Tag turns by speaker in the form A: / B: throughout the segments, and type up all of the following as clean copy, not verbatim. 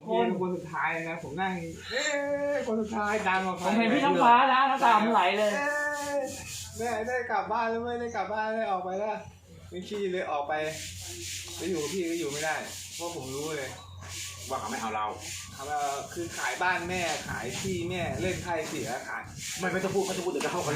A: คนสุดท้ายนะผมนั่งคนสุดท้ายดังกว่าใคร
B: ผมเห็นพี่น้ำฟ้านะน้ำตามันไหลเลย
A: ได้กลับบ้านแล้วไม่ได้กลับบ้านได้ออกไปแล้วไม่ขี้เลยออกไปอยู่พี่ก็อยู่ไม่ได้เพราะผมรู้เลยว่าเขาไม่เอาเราคือขายบ้านแม่ขายที่แม่เล่นไพ่เสียขาย
C: ไม่ต้องพูดเดี๋ยวจะเข้ากัน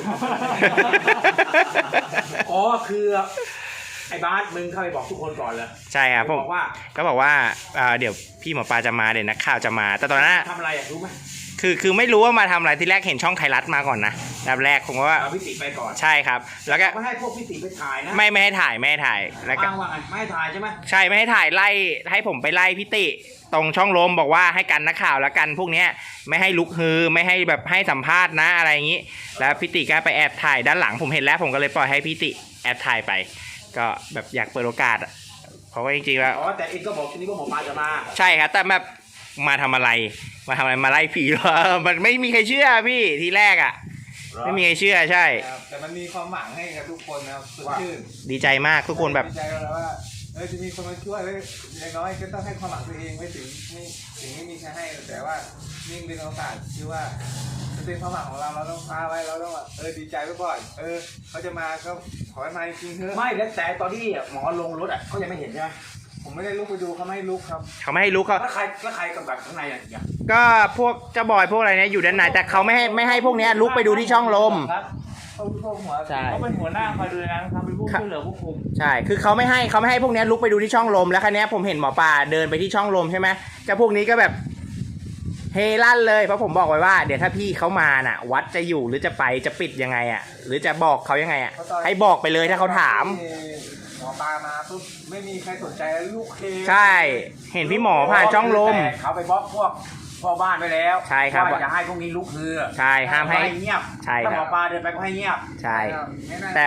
C: อ๋อคือไอ้บาสมึงเข้าไปบอกทุกคนก่อนเลย
D: ใช่ครับผมก็บอกว่าเดี๋ยวพี่หมอปลาจะมาเดี๋ยวนักข่าวจะมาแต่ตอนนั้น
C: ทำอะไรรู้ไหม
D: คือไม่รู้ว่ามาทำอะไรที่แรกเห็นช่องไทยรัฐมาก่อนนะแบบแรกผมว่า
C: พิติไปก่อน
D: ใช่ครับแล้วก็
C: ไม่ให้พวกพิติไปถ่ายนะ
D: ไม่ให้ถ่ายแล้วก็
C: ว่าไงไม่ให้ถ่ายใช่ไหม
D: ใช่ไม่ให้ถ่ายไล่ให้ผมไปไล่พิติตรงช่องลมบอกว่าให้กันนักข่าวแล้วกันพวกเนี้ยไม่ให้ลุกฮือไม่ให้แบบให้สัมภาษณ์นะอะไรอย่างนี้แล้วพิติก็ไปแอบถ่ายด้านหลังผมเห็นแล้วผมก็เลยปล่อยให้พิติแอบถ่ายไปก็แบบอยากเปิดโอกาสเพราะว่าจริงๆแล้ว
C: แต่เองก็บอกทีนี้ว่าหมอปลาจะมา
D: ใช่ครับแต่แบบมาทำอะไรมาไล่ผีเหรอมันไม่มีใครเชื่อพี่ทีแรกไม่มีใครเชื่อใช่
A: แต่มันมีความหวังให้กับทุกคนนะครับสดชื่น
D: ดีใจมากทุกคนแบบ
A: ดีใจแล้วว่าจะมีคนมาช่วยอย่างน้อยก็ต้องให้ความหวังตัวเองไม่ถึงไม่มีใครให้แต่ว่ายิ่งเป็นโอกาสคือว่าจะเป็นความหวังของเราต้องพาไว้เราต้องดีใจไว้ก่อนเขาจะมาก็ขอให้มาจริงเถอะ
C: ไม่แล้วแต่ตอนที่หมอลงรถเขายังไม่เห็นใช่ไหม
A: ผมไม่ได้ลุกไปดูเขาไม่ให้ลุกครับ
D: เขาไม่ให้ลุกเขา
C: แล้วใครกำกับข้างในอย่าง
D: ก็พวกเจ้าบอยพวกอะไรเนี่ยอยู่ด้านในแต่เขาไม่ให้พวกนี้ลุกไปดูที่ช่องลม
B: ใช่เขาเป็นหัวหน้าคอยดูนะครับเป็นผู้ช่วยเหลือผู้คุม
D: ใช่คือเขาไม่ให้พวกนี้ลุกไปดูที่ช่องลมแล้วครั้นี้ผมเห็นหมอปลาเดินไปที่ช่องลมใช่ไหมเจ้าพวกนี้ก็แบบเฮลั่นเลยเพราะผมบอกไว้ว่าเดี๋ยวถ้าพี่เขามาน่ะวัดจะอยู่หรือจะไปจะปิดยังไงหรือจะบอกเขายังไงให้บอกไปเลยถ้าเขาถาม
A: หมอปลามาปุ๊บไม่มีใครสนใจลูกเค
D: ใช่เห็นพี่หมอผ่านช่องลม
C: เขาไปบล็อกพวกพ่อบ้านไปแล้ว
D: ใช่ครับ
C: ว่าอย่าให้พวกนี้ลุกฮือ
D: ใช่ห้ามให้
C: เงียบ
D: ใช่ครับ
C: หมอปลาเดินไปก็ให้เงียบ
D: ใช่แต่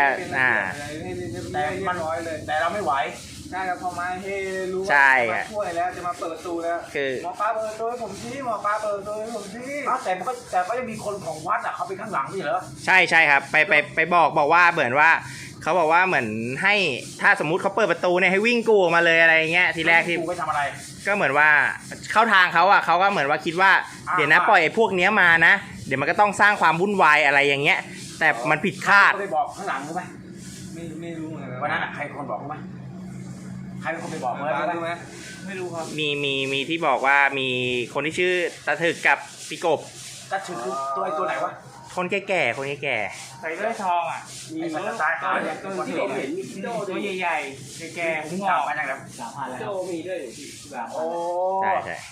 C: เราไม่ไหว
A: ใช่ครับพอมาเฮ้รู้ว่ามาช่วยแล้วจะมาเปิดประตูแล้ว
D: คือ
A: หมอปลาเปิดตัวให้ผมชี้หมอปลาเปิดตัวให้ผมชี้
C: แต่ก็ยังมีคนของวัดเขาไปข้างหลังนี่เหรอ
D: ใช่ครับไปบอกว่าเหมือนว่าเขาบอกว่าเหมือนให้ถ้าสมมุติเขาเปิดประตูเนี่ยให้วิ่งกูออกมาเลยอะไรเงี้ยทีแรกที่
C: กูไปทำอะไร
D: ก็เหมือนว่าเข้าทางเขาเขาก็เหมือนว่าคิดว่าเดี๋ยวนะปล่อยพวกนี้มานะเดี๋ยวมันก็ต้องสร้างความวุ่นวายอะไรอย่างเงี้ยแต่มันผิดคาด
C: ไปบอกข้างหลังรู้ไหม
A: ไม่รู้เหมือนกัน
C: วันนั้นใครคนบอกรู้ไหมใครเป็นคนไปบอก
A: รู้ไหมไม่รู้ครับ
D: มีที่บอกว่ามีคนที่ชื่อตาถึกกับพี่กบ
C: ตาถึกตัวไหนวะ
D: คนแก่
B: ใส่เสื้อทอง
C: ไอ้สัตว์ตายขาเนี่ย
B: ตัวที่ผมเห็นตัวใหญ่ๆแก่ๆผมบอกมาจากแบบ3,000แล้วโจมีด้วย
C: โอ้ใช่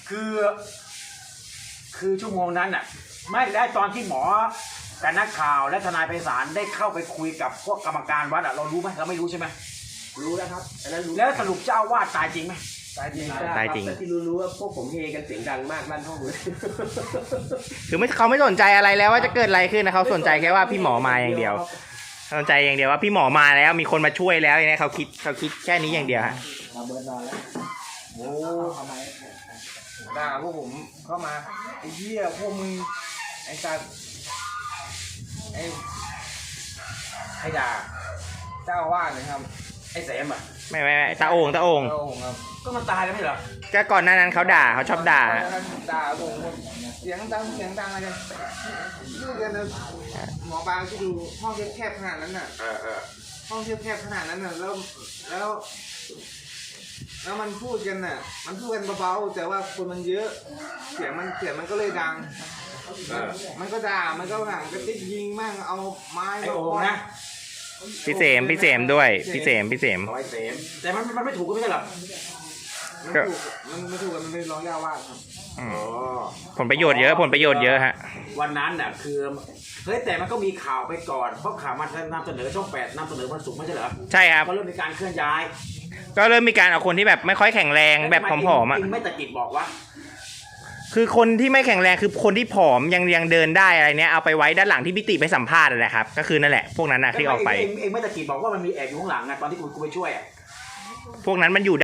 C: คือชั่วโมงนั้นไม่ได้ตอนที่หมอกับนักข่าวและทนายไพศาลได้เข้าไปคุยกับพวกกรรมการวัดเรารู้ไหมเราไม่รู้ใช่ไหม
A: รู้แล้วครับ
C: แล้วสรุปเจ้าวาดตายจริงไหม
D: ตายจริง
A: ที่รู้ว่าพวกผมเฮกันเสียงดังมากลั่นห้องเลย
D: คือเขาไม่สนใจอะไรแล้วว่าจะเกิดอะไรขึ้นนะเขาสนใจแค่ว่าพี่หมอมาอย่างเดียวสนใจอย่างเดียวว่าพี่หมอมาแล้วมีคนมาช่วยแล้วอย่างนี้เขาคิดแค่นี้อย่างเดียวฮะ
A: เราเบิร์นนอนแล้วโอ้ด่าพวกผมเข้ามาไอ้เหี้ยพวกมึงไอ้สัตว์ไอ้ด่าเจ้าว่าเลยครับ
C: ไอ้เสม
D: ไม่ตาโอ่ง
A: ครับ
C: ก็มันตายแล้วไม่เหรอ
D: ก็ก่อนหน้านั้นเขาชอบด่า
A: ผมเสียงดังอะไรกันดูกันนะหมอปลาที่ดูห้องแคบขนาดนั้นน่ะห้องแคบขนาดนั้นน่ะแล้วมันพูดกันน่ะมันพูดกันเบาๆแต่ว่าคนมันเยอะเสียงมันก็เลยดังมันก็ด่ามันก็ห่างก็ติดยิงมั่งเอาไม้
C: ไอ้โอ่งนะ
D: พี่เสมด้วยพี่เสม
C: แต่มันไม่ถูกก็ไม่ใช่หรอ
A: มันไม่ถูกมันเป็นร้องยาวว่าครับ
D: ผลประโยชน์เยอะฮะ
C: วันนั้นคือเฮ้ยแต่มันก็มีข่าวไปก่อนเพราะข่าวมันนำเสนอช่อง8นำเสนอวันศุกร์ไม่ใช่เหรอ
D: ใช่ครับ
C: ก็เริ่มมีการเคลื่อนย้าย
D: ก็เริ่มมีการเอาคนที่แบบไม่ค่อยแข็งแรงแบบผอม
C: ไม่ตะกิดบอกว่า
D: คือคนที่ไม่แข็งแรงคือคนที่ผอมยังเดินได้อะไรเนี้ยเอาไปไว้ด้านหลังที่พิติไปสัมภาษณ์นั่นแหละครับก็คือนั่นแหละพวกนั้นที่ออกไป
C: เองไม่ตะกิดบอกว่ามันมีแอบอยู่ข้างหลังตอนที่กูไปช่วย
D: พวกนั้นมันอยู่